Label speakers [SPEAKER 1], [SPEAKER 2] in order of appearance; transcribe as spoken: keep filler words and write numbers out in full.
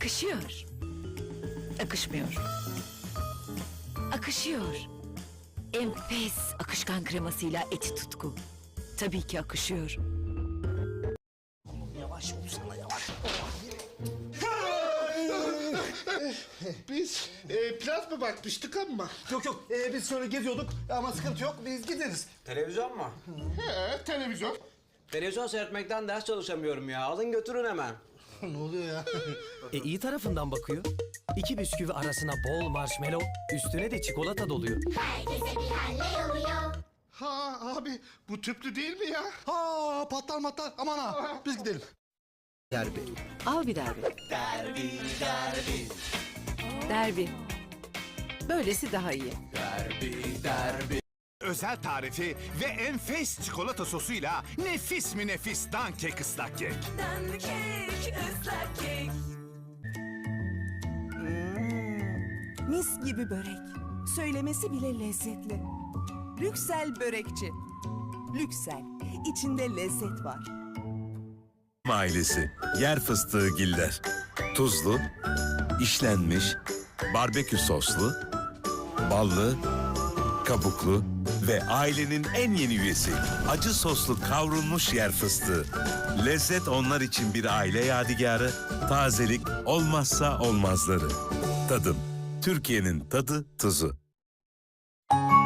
[SPEAKER 1] Akışıyor. Akışmıyor. Akışıyor. Enfes akışkan kremasıyla eti tutku. Tabii ki akışıyor.
[SPEAKER 2] Yavaş olsana yavaş.
[SPEAKER 3] Biz e, plaz mı bakmıştık ama?
[SPEAKER 2] Yok yok ee, biz şöyle geziyorduk ama sıkıntı yok biz gideriz.
[SPEAKER 4] Televizyon mu?
[SPEAKER 3] He, televizyon.
[SPEAKER 4] Televizyon seyretmekten ders çalışamıyorum ya. Alın götürün hemen.
[SPEAKER 2] Ne oluyor ya?
[SPEAKER 5] E iyi tarafından bakıyor. İki bisküvi arasına bol marshmallow, üstüne de çikolata doluyor.
[SPEAKER 6] Herkese bir halle oluyor.
[SPEAKER 3] Ha abi bu tüplü değil mi ya?
[SPEAKER 2] Ha patlar matlar aman ha biz gidelim.
[SPEAKER 5] Derbi.
[SPEAKER 1] Al bir derbi. Derbi, derbi. Derbi. Böylesi daha iyi.
[SPEAKER 7] Özel tarifi ve enfes çikolata sosuyla nefis mi nefis dankek ıslak kek.
[SPEAKER 8] Mis gibi börek. Söylemesi bile lezzetli. Lüksel börekçi. Lüksel. İçinde lezzet var.
[SPEAKER 9] Ailesi yer fıstığı giller. Tuzlu, işlenmiş, barbekü soslu, ballı, kabuklu ve ailenin en yeni üyesi acı soslu kavrulmuş yer fıstığı. Lezzet onlar için bir aile yadigarı, tazelik olmazsa olmazları. Tadım, Türkiye'nin tadı tuzu.